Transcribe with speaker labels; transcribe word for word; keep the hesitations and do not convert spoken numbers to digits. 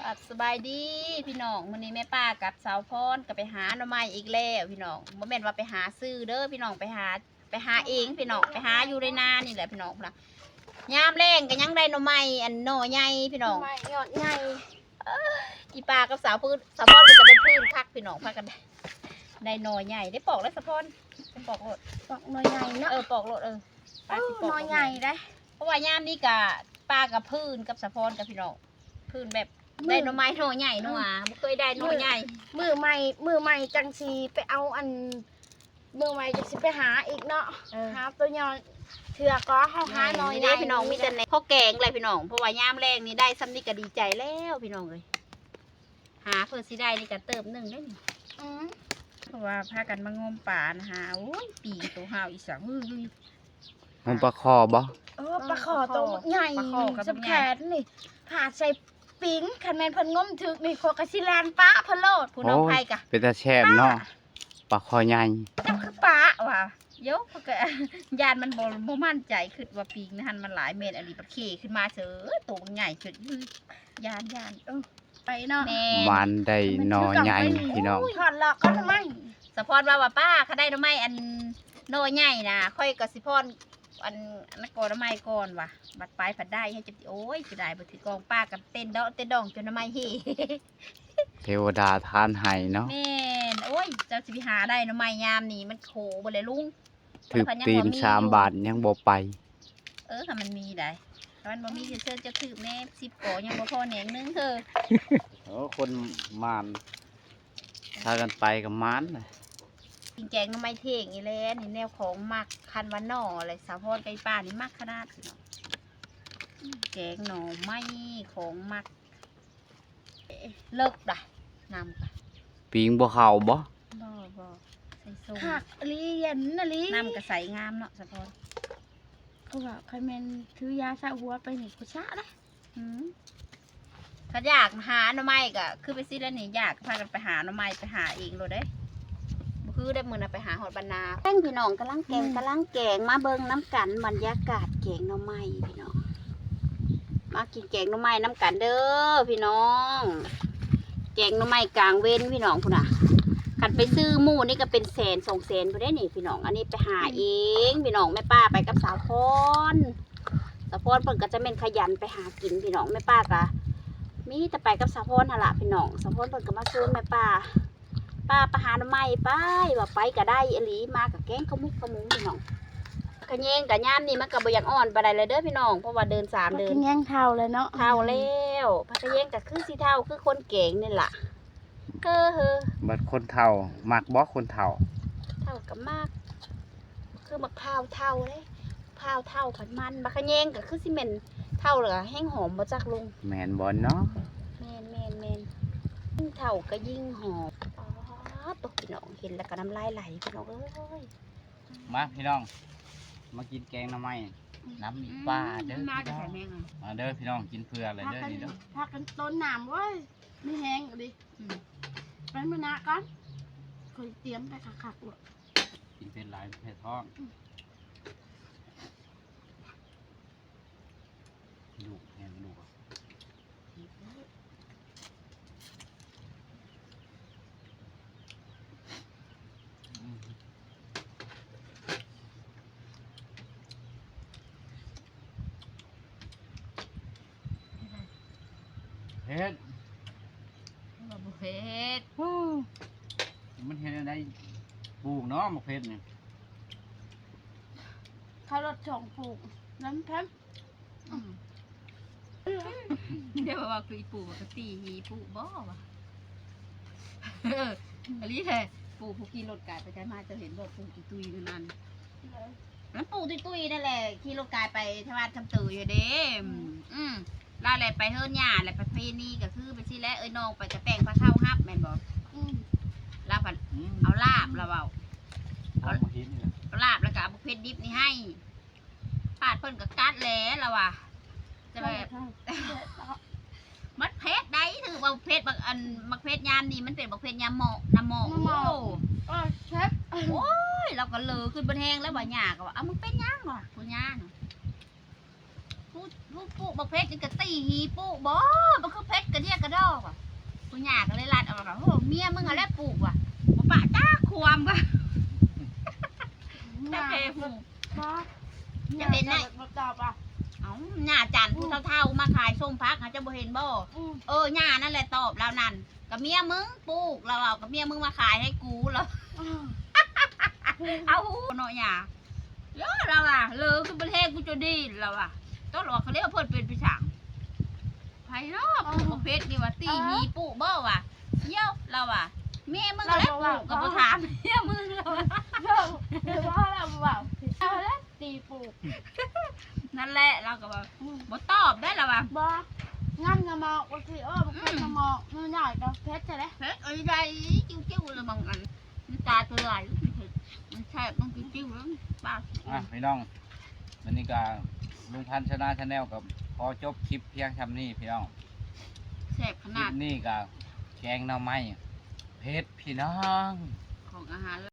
Speaker 1: ครับสบายดีพี่น้องมื้อนี้แม่ป้ากับสาวพรก็ไปหาหน่อไม้อีกแล้วพี่น้องบ่แม่นว่าไปหาซื้อเด้อพี่น้องไปหาไปหาเองพี่น้องไปหาอยู่ในนานี่แหละพี่น้องนะยามแรงก็ยังได้หน่อไม้อันหน่อใหญ่พี่น้อง
Speaker 2: ไม่ยอดใหญ่
Speaker 1: อีป้ากับสาวพื้นสาวพรก็จะเป็นพื้นคักพี่น้องพากันได้ได้หน่อใหญ่ได้ปอกแล้วสาวพรปอกโลด
Speaker 2: ดอกน้อยใหญ่เนาะ
Speaker 1: เออปอกโลดเออป้าสิปอก
Speaker 2: น้อยใหญ่ได้
Speaker 1: เพราะว่ายามนี้กะป้ากับพื้นกับสาวพรกับพี่น้องพื้นแบบได้หน่อไม้หน่อใหญ่หน่อบ่เคยได้หน่อใหญ่
Speaker 2: มือใหม่มือใหม่จังสีไปเอาอันมือใหม่จังสีไปหาอีกเนาะหาตัวยอนเถื่อก็เขาหาน้อย
Speaker 1: นี่ได้พี่น้องมีแต่ในพ่อแกงเลยพี่น้องเพราะว่ายามแรงนี่ได้ซ้ำนี่ก็ดีใจแล้วพี่น้องเลยหาเพื่อสิได้นี่ก็เติมหนึ่งได้นี่
Speaker 2: อืม
Speaker 1: เพราะว่าพากันมางมป่านะฮะโอ้ยปีตัวห่าวอีสังฮือ
Speaker 3: มันปลาคอบ่
Speaker 2: เออปลาขอตัวใหญ่
Speaker 1: ปลาขอกับ
Speaker 2: สับแขนนี่ผ่าใส่ปิ้งคันแมนเพิ่นงมถึกนี่โคกระสิแลนป้าพะโลด
Speaker 1: ผู้น้องไผ่กะ
Speaker 3: เป็นตาแช่บเนาะปลาคอใหญ่
Speaker 2: จับคือป้า
Speaker 1: ว่าเยอะเพราะก็ ยานมันบ่บ่มั่นใจคือว่าปีกนะฮันมันหลายเมตรอันนี้ปลาเขขึ้นมาเสือตัวมันใหญ่ขึ้นอื้อยานยาน
Speaker 2: เออไปเนาะ
Speaker 1: แน่
Speaker 3: มันได้หนอใหญ่พี่น้อง
Speaker 2: ถอดหลอกก็ทำไม
Speaker 1: สะพอนว่าว่าป้าเขาได้หน่อไม้อันโนใหญ่นะค่อยกับสิพอนอันนักกอหน่อไม้ก่อนว่ะบัดปลายผัดได้ให้จะโอ้ยจะได้บ่ถือกองป้ากับเต้นดอกเต้นดองจนหน่อไม้เฮ
Speaker 3: เทวดาทานให้เนาะ
Speaker 1: แม่นโอ้ยเจ้าสิไปหาได้หน่อไม้ยามนี่มันโขบ่เลยลุง
Speaker 3: ถึกตีนสามบาทยังบ่ไป
Speaker 1: เออค่ะมันมีได้ถ้ามันบ่มีจะเชิญจะถือแม่สิบกอยังบ่พอแหนงนึงเธอ
Speaker 3: โอ้คนมานพากันไปกับมานเลย
Speaker 1: กินแกงหน่อไม้เท่งอีแลนี่แนวของมักคันว่าหน่ออะไรสาวพรไก่ป้านี่มักขนาดพี่น้องแกงหน่อไม้ของมักเอ๊ะเลิกด่ะนำค่ะ
Speaker 3: ปิงบ่เข้าบ่
Speaker 1: บ่บ่ใส่ส้ม
Speaker 2: หักอลีเย็นอลี
Speaker 1: น้ำกระใสงามเนาะสะพอน
Speaker 2: เขาบอกใครแมนถือยาสระหัวไปหนิกุชะนะ
Speaker 1: อืมถ้าอยากหาหน่อไม้ก็คือไปซื้อแล้วนี่อยากพากันไปหาหน่อไม้ไปหาเองเลยเด้บ่คือได้มื้อน่ะไปหาหอดบรรณาแป้งพี่น้องกำลังแกงกำลังแกงมาเบิ่งน้ำกันบรรยากาศแกงหน่อไม้พี่น้องมากินแกงหน่อไม้น้ำกันเด้อพี่น้องแกงหน่อไม้กลางเว้นพี่น้องพุ่นน่ะคันไปซื้อหมูนี่ก็เป็นแสนสองแสนพุ่นได้นี่พี่น้องอันนี้ไปหาเองพี่น้องแม่ป้าไปกับสาวพรสาวพรเพิ่นก็จะเป็นขยันไปหากินพี่น้องแม่ป้าก็มีแต่ไปกับสาวพรหั่นล่ะพี่น้องสาวพรเพิ่นก็มาชวนแม่ป้าป้าไปหาหน่อไม้ไปว่าไปก็ได้อีหลีมากับแกงข้าวมุกข้าวหมุงพี่น้องกระเยงกระย่ามนี่มันก็บ่อยากอ่อนปานใดเลยเด้อพี่น้องเพราะว่าเดินสาม
Speaker 2: มา
Speaker 1: เดิ
Speaker 2: กิ
Speaker 1: น
Speaker 2: นแย่งเท่าเลยเนาะ
Speaker 1: เท่าแล้วพักกระเยงก็คือสีเท่าคือคนเก่งนี่ล่ะเฮ้อเฮ้อ
Speaker 3: บัดคนเฒ่ามักบ่คนเฒ่า
Speaker 1: เท่ากับมาก คือมะพร้าวเท่าเลยพร้าวเท่าผัดมันบักกระเยงก็คือซีเมนเท่าเหรอแห้งหอมมาจากลุง
Speaker 3: แม่นบ่เนาะ
Speaker 1: แมนแมนแมนยิ่งเท่าก็ยิ่งหอมอ๋อตกพี่น้องเห็นแล้วก็น้ำลายไหลพี่น้องเอ้ย
Speaker 3: มาพี่น้องมากินแกงหน่อไม้น้ำมีปลาเด้อ
Speaker 1: มาจะ
Speaker 3: พี่น้อ
Speaker 1: ใส่
Speaker 3: ง
Speaker 1: แมงอ่ะ
Speaker 3: มาเด้อพี่น้องกินเพื่ออะไร
Speaker 2: พัก
Speaker 3: เด้อ
Speaker 2: กัน
Speaker 3: นี่เด้อ
Speaker 2: พักกันต้นหนามเว้ยไม่แห้งอะดิ
Speaker 1: อืม
Speaker 2: ไปมือหนาก่อนคอยเตรียมไปขักๆหมด
Speaker 3: กินเป็นหลายแผ่ท้องลูกแห้งลูกอะอืมเฮ็ด
Speaker 1: มาบุเฮ็ด
Speaker 3: มันเห็นอะไรปลูกเนาะมะเขือเนี่ย
Speaker 2: เขารถส่งปลูกน้ำแพม
Speaker 1: อืมเดี๋ยวว่าคืออีปู่มันก็ตีหีปู่บ่วะเอออันนี้แหละปู่ผู้ขี่รถกายไปไกลมาจะเห็นบอกปู่ตุยตุยๆนั่นนั่นปู่ตุยตุยๆนั่นแหละขี่รถกายไปทวารคำตืออยู่เด้อืมอืมลาแหละไปเฮิรนหญ้าแหละไปเพนีก็คือไปสิแล้วเอ้ยน้องไปกระแต่งพระเท่าฮับแม่นบอก
Speaker 2: อืม
Speaker 1: ลาผัด
Speaker 3: อืม
Speaker 1: เอาลาบเราเอา
Speaker 3: เอามาเห็นนี่แหละ
Speaker 1: เอาลาบแล้วก็เอาบุฟเฟ่ดิบนี่ให้ปาดเพิ่นก็กัดแล้วเราอ่ะจะแบบ มัดเพชรได้ถือว่าเพชรบางอันมักเพชรยามนี่มันเป็นบักเพชรยามหมอกน้ำหมอกโอ้
Speaker 2: เออเชฟ
Speaker 1: โอ้ยเราก็เลอขึ้นบนแห้งแล้วบ่หยาก็ว่าเอามึงเป็นยังวะกูย่างกูกูปุ๊บักเพชรนี่ก็ตีหีปุ๊บ่มันคือเพชรกระเดียกระดอกมียมึงอะไรปลูกว่ะบ่ปะจ้าความว่ะแต่เพหู จะเป็นไง
Speaker 2: บ่ตอบอ่ะ
Speaker 1: เอ้าหน้าจันผู้เฒ่าๆมาขายส้มพักหาจะบ่เห็นบ่
Speaker 2: อืม
Speaker 1: เออหน้านั่นแหละตอบแล้วนั่นกับเมียมึงปลูกเราเอากับเมียมึงมาขายให้กูแล้ว
Speaker 2: อืม
Speaker 1: เอาเนาะหย่าเยอะเราอ่ะเลยคือประเทศกูจะดีเราอ่ะต้นหลอกเขาเรียกว่าเพิ่นเป็นปีฉางไผ่เนาะปลูกประเภทนี่ว่าตีมีปลูกบ่ว่ะเยี่ยวเราอ่ะเมียมึงก็แล้วปลูกกับบ่ถามเมียมึงเราอะ
Speaker 2: เดี๋ยวเดี๋ยวว่าเราบอกเอาแล้วตีปลูก
Speaker 1: นั่นแหละเราก็ว่าบ่ตอบได้แล้วว่ะ
Speaker 2: บ่งั้นก็มองว่าสิเออบ่เคยจะมองมันใหญ่ก็เพชรจะได้
Speaker 1: เฮ้ยไอ้ใดจิ้วๆเลยบางอันมันตาตัวใหญ่มันแซ่บมันจิ้วๆแล้วป้า
Speaker 3: อ่ะพี่น้องวันนี้ก็ลุงพันธ์ชนะชาแนลกับพอจบคลิปเพียงทำนี่พี่น้อง
Speaker 1: แซ่บข
Speaker 3: คลิ
Speaker 1: นาด
Speaker 3: ปนี้ก็แกงหน่อไม้เผ็ดพี่น้อง
Speaker 1: ของอาหาร